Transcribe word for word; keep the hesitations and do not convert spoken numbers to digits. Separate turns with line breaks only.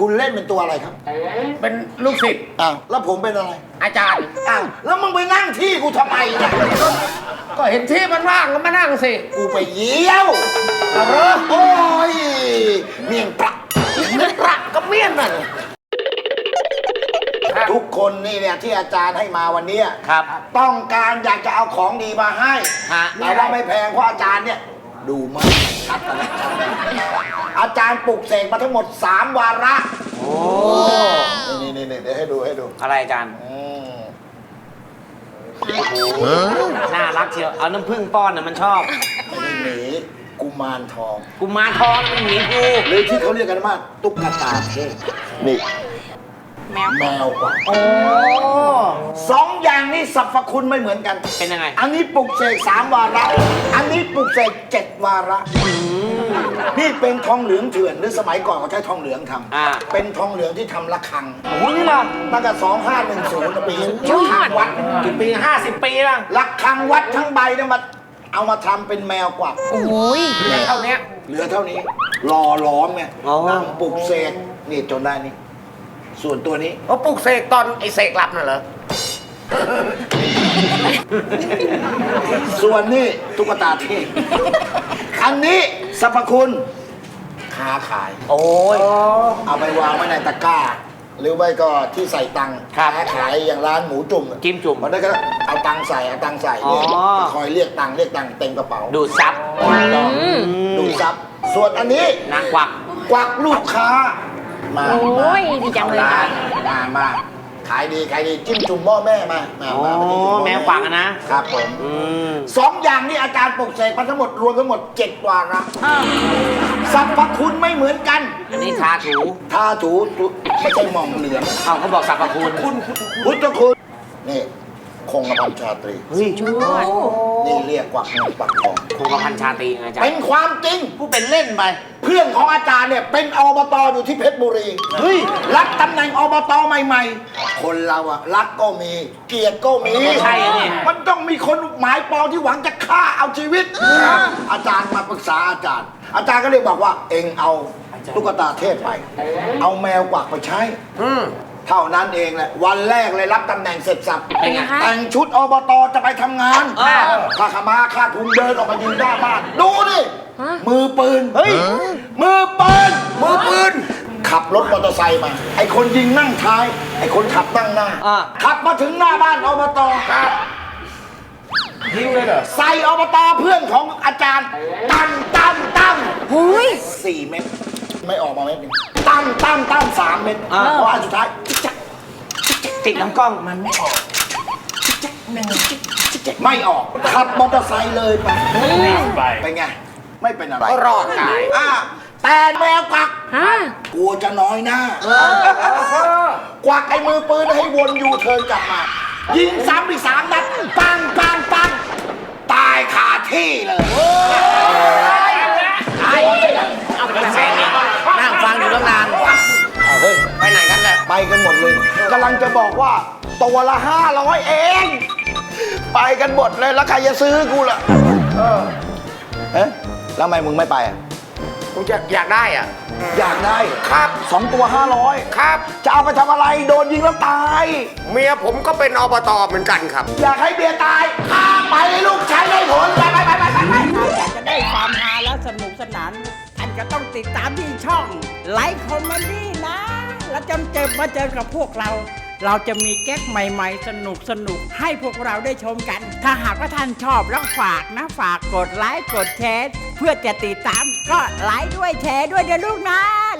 คุณเล่นเป็นตัวอะไรครับ
เป็นลูกศิษย์
อ้าวแล้วผมเป็นอะไร
อาจารย์
อ้าวแล้วมึงไปนั่งที่กูทำไมเนี่ย
ก็เห็นที่มันว่างก็มานั่งสิ
กูไปเยี่ยวเออโอ้ยเมี่ยงปลา
เงินประก็เมี่ยนน่ะ
ทุกคนนี่เนี่ยที่อาจารย์ให้มาวันนี้
ครับ
ต้องการอยากจะเอาของดีมาให้
ฮะ
แต่ว่าไม่แพงเพราะอาจารย์เนี่ยดูมากชัดอะไรชัดอาจารย์ปลุกเสกมาทั้งหมดสามวาระ
โอ้
นี่นี่นี่เดี๋ยวให้ดูให้ดู
อะไรอาจารย์
อืม
น่ารักเชียวเอาน้ำผึ้งป้อนน่ะมันชอบ
ไม่ได้หมีกุมารทอง
กุมารทองมันหมีกู
หรือที่เขาเรียกกันว่าตุ๊กตาเทพนี่
แมว
แมวกว่า
โอ้
สองอย่างนี้สรรพคุณไม่เหมือนกัน
เป็นยังไง
อันนี้ปลุกเสกสามวาระ อันนี้ปลุกเสกเจ็ดวาระ นี่เป็นทองเหลืองเถื่อนหรือสมัยก่อนเขาใช้ทองเหลืองท
อ่า
ำเป็นทองเหลืองที่ทำระฆัง
โอ้นี่นะ
ตั้งแต่สองห้าหนึ่งศูนย์ปีระฆังวัด
กี่ปีห้าสิบปีแล้ว
ระฆังวัดทั้งใบเนี่ยมาเอามาทำเป็นแมวกวัก
โอ้ย
เท่านี้
เหลือเท่านี้รอล้อมไง
อ๋อ
นั่งปลุกเสกนี่จนได้นี่ ส่วนตัวนี้
เขาปลุกเสกตอนไอ้เสกหลับน่ะเหรอ
ส่วนนี้ตุ๊กตาเทพอันนี้สรรพคุณค้าขาย
โอ้ย
เอาไปวางไว้ในตะกร้า หรือไม่ก็ที่ใส่ตังค์
ครับ
ค้าขายอย่างร้านหมูจุ่ม
จิ้มจุ่ม
มันได้ก็เอาตังค์ใส่เอาตังค์ใส่
อ๋อ
เนี่ยคอยเรียกตังค์เรียกตังค์เต็มกระเป๋า
ดูดซับ
ต้องดูซับส่วนอันนี้
นางกวัก
กวักลูกค้ามา
โอ้ย
มา
ดีจังเลย
ร้านมามาขายดีขายดีจิ้มจุ่มหม้อแม่มามา
โอ้
มามาจิ้มจุ่หอ
แมวกวักอะนะครับ
ผม
อืม
สองอย่างนี้อาจารย์ปลุกเสกมาทั้งหมดรวมทั้งหมดเจ็ดวาระ
อ้าว
สรรพคุณไม่เหมือนกัน
อันนี้ทาถู
ทาถูถูไม่ใช่หม่องเหลือง
เอาเขาบอกสรรพคุณ
พุทธคุณนี่คงกระพันชาตรี
เฮ้ย
ชวด
นี่เรียกกวักเงินปักทอง
คงกระพันชาตรีไงอาจาร
เป็น
ย์
ความจริง
ผู้เป็นเล่นไป
เพื่อนของอาจารย์เนี่ยเป็นอบตอยู่ที่เพชรบุรี
เฮ้ย
รับตำแหน่งอบตใหม่ๆ คนเราอะรักก็มี เกลียดก็มี
ใช่อะเนี่ย
มันต้องมีคนหมายปองที่หวังจะฆ่าเอาชีวิต อาจารย์มาปรึกษาอาจารย์ อาจารย์ก็เลยบอกว่าเองเอาตุ๊กตาเทพไป เอาแมวกวักไปใช้
อืม
เท่านั้นเองแหละวันแรกเลยรับตำแหน่งเสร็จสับ
เป็นไง
แต่งชุดอบตจะไปทำงาน
อ่า
ข้าขมาข้าทุนเดินออกมายืนหน้าบ้าน ดูดิ
ฮะ
มือปืน เฮ้ย มือปืน มือปืน ขับรถมอเตอร์ไซค์มา ไอ้คนยิงนั่งท้าย ไอ้คนขับนั่งหน้า
อ่า
ขับมาถึงหน้าบ้านอบตครับ
ยิงเลยเหรอ
ใส่อบตเพื่อนของอาจารย์ ตั้งตั้งตั้ง
หุย
สี่เม็ดไม่ออกมาเม็ดหนึงตั้งตั้งตั้งสามเม็ด
อ่า
เพราะอันสุดท้ายจิ๊กจัก
ติดลำกล้อง
มันไม่ออกไม่ออกขับมอเตอร์ไซค์เลยไปเป็นไง ไม่เป็นอะไร
ก็รอดตาย
อ่าแต่แมวกวัก
ฮะ
กลัวจะน้อยหน้ากวักไอ้มือปืนให้วนยูเทิร์นกลับมา ยิงซ้ำอีกสามนัดปังปังปังตายคาที่เลยตาย
เอาไปแซงเนี่ยนั่งฟังอยู่ตั้งนาน
เอาเฮ้ย
ไปไหนกันแหละ
ไปกันหมดเลยกำลังจะบอกว่าตัวละห้าร้อยเอง ไปกันหมดเลยแล้วใครจะซื้อกูล่ะเออเอ๊ะแล้วทำไมมึงไม่ไปอ่ะ
ผมอยากอยากได้อ่ะ
อยากได้
ครับ
สองตัวห้าร้อย
ครับ
จะเอาไปทำอะไรโดนยิงแล้วตาย
เมียผมก็เป็นอบตเหมือนกันครับ
อยากให้เบียร์ตายข้าไปลูกใช้ได้ผลไปไปไปไปไปไป
อยากจะได้ความฮาและสนุกสนาน ท่านก็ต้องติดตามที่ช่องไลฟ์คอมเมดี้นะ แล้วจนเจอมาเจอกับพวกเรา เราจะมีแก๊กใหม่ๆ สนุกสนุกๆให้พวกเราได้ชมกัน ถ้าหากว่าท่านชอบแล้วฝากนะ ฝากกดไลค์กดแชร์ เพื่อจะติดตามก็ไลค์ด้วยแชร์ด้วยเดี๋ยวลูกนะ